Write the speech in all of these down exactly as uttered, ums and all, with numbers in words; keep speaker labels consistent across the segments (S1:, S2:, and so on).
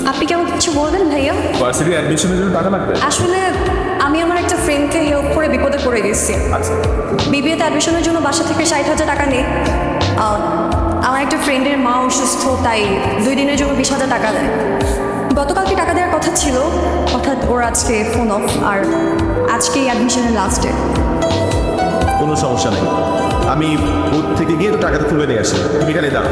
S1: আপনি কেমন কিছু বলবেন ভাইয়া?
S2: ভার্সিটি অ্যাডমিশনের জন্য টাকা লাগবে।
S1: আসলে আমি আমার একটা ফ্রেন্ডকে হেল্প করে বিপদে পড়ে গেছি।
S2: আচ্ছা,
S1: বিবিএতে অ্যাডমিশনের জন্য বাসা থেকে ষাট হাজার টাকা নেই। আহ, আমার একটা ফ্রেন্ডের মা অসুস্থ, তাই দুই দিনের জন্য বিশ হাজার টাকা দেয়। গতকালকে টাকা দেওয়ার কথা ছিল, অর্থাৎ ওর আজকে ফোন অফ, আর আজকেই অ্যাডমিশনের লাস্ট ডে।
S2: কোনো সমস্যা নেই, আমি বুথ থেকে গিয়ে তো টাকাটা তুলে নিয়ে আসি, তুমি এখানে দাও।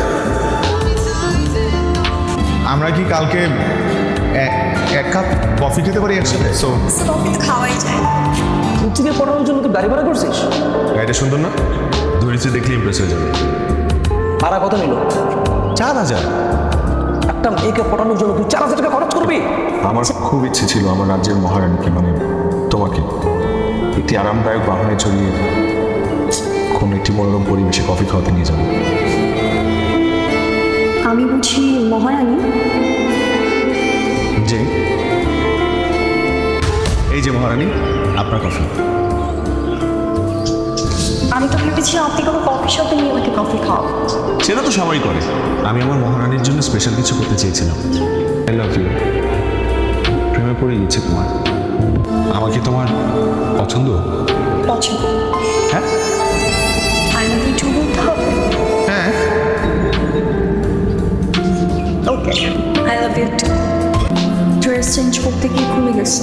S3: আমরা কি কালকে এক এক কাপ কফি খেতে পারি একসাথে? সো
S1: কফি তো খাওয়াই যায়।
S4: তুই থেকে পড়ানোর জন্য তুই গাড়ি ভাড়া করছিস?
S3: গাড়িটা সুন্দর না? ধরেছি দেখলে ইমপ্রেস হয়ে যাবে।
S4: ভাড়া কত নিল?
S3: চার হাজার।
S4: একটা মেয়েকে পড়ানোর জন্য তুই চার হাজার টাকা খরচ করবি?
S3: আমার খুব ইচ্ছে ছিল আমার রাজ্যের মহারানীকে, মানে তোমাকে, একটি আরামদায়ক বাহনে চড়িয়ে কোনো একটি মনোরম পরিবেশে কফি খাওয়াতে নিয়ে যাবো।
S1: আমি বুঝি মহারানী?
S3: যে এই যে মহারানী, আপনার কফি।
S1: আমি তো ভেবেছিলাম আপনি কোনো কফি শপে নিয়ে আমাকে কফি খাও।
S3: সেটা তো সবাই করে, আমি আমার মহারানীর জন্য স্পেশাল কিছু করতে চেয়েছিলাম। I love you. প্রেমে পড়ে গেছে তোমার। আমাকে তোমার পছন্দ?
S1: পছন্দ?
S3: হ্যাঁ
S1: আমি কিছু বলতে হবে?
S3: হ্যাঁ।
S1: Okay, I love you too. Dress change করতে গিয়ে খুলে গেছে।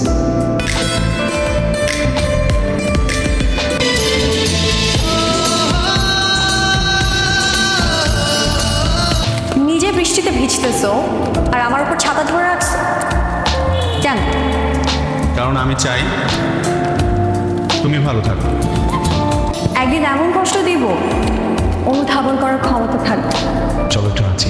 S1: নিজে বৃষ্টিতে ভিজতেছো আর আমার উপর ছাতা ধরে রাখছো কেন?
S3: কারণ আমি চাই তুমি ভালো থাকো।
S1: একদিন এমন কষ্ট দিব অনুধাবন করার ক্ষমতা থাকবে।
S3: চলো একটু নাচি।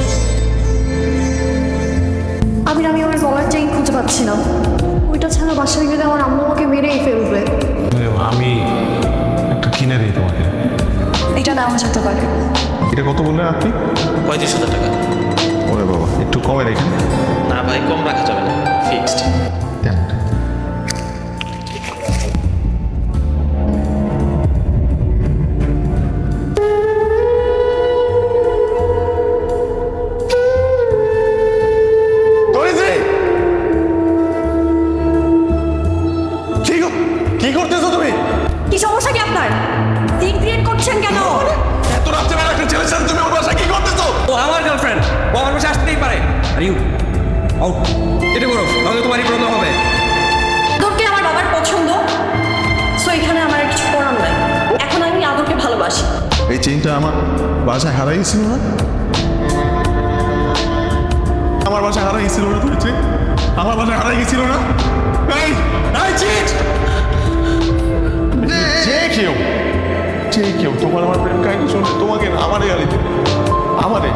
S1: আমি আমি আমার গলার চেইন খুঁজে পাচ্ছি না। ওইটা ছাড়া বাসায় গেলে আমার আম্মু আমাকে মেরেই ফেলবে।
S3: আমি একটা কিনে দিই তোমাকে।
S1: এটা নেওয়া যেতে পারে।
S3: এটা কত বললেন আপনি?
S5: পঁয়ত্রিশ হাজার টাকা।
S3: ওরে বাবা, একটু কমে রেখেন।
S5: না ভাই, কম রাখা যাবে না, ফিক্সড।
S3: দেন। কি করতেছো তুমি?
S1: কি সমস্যা কি আপনার? সিন ক্রিয়েট করছেন কেন?
S3: এত রাত্রে বেলা একটা ছেলের সাথে তুমি ওর বাসায় কি করতেছো?
S5: ও আমার গার্লফ্রেন্ড, ও আমার পাশে আসতেই পারে। আর ইউ আউট, এটা করো, তাহলে তোমারই প্রবলেম হবে।
S1: আদরকে আমার বাবার পছন্দ, সো এখানে আমার আর কিছু করার নাই। এখন আমি আদরকে ভালোবাসি।
S3: এই চেইনটা আমার বাসায় হারাই গেছিল না? আমার বাসায় হারাই গেছিল না? তুমি চেইন আমার বাসায় হারাই গেছিল না? এই এই চিট! যে কেউ যে কেউ তোমার আমার প্রেম কাহিনী শুনতে তোমাকে না, আমারে গালি দেবে, আমারে।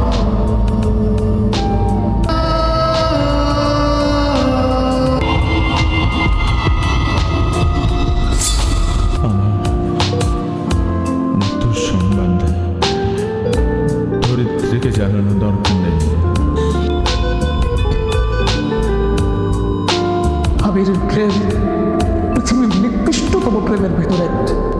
S3: মৃত্যুর সংবাদ ধরিত্রীকে জানানো দরকার নেই।
S4: আবিরের প্রেম পৃথিবীর নিকৃষ্টতম প্রেমের ভেতরে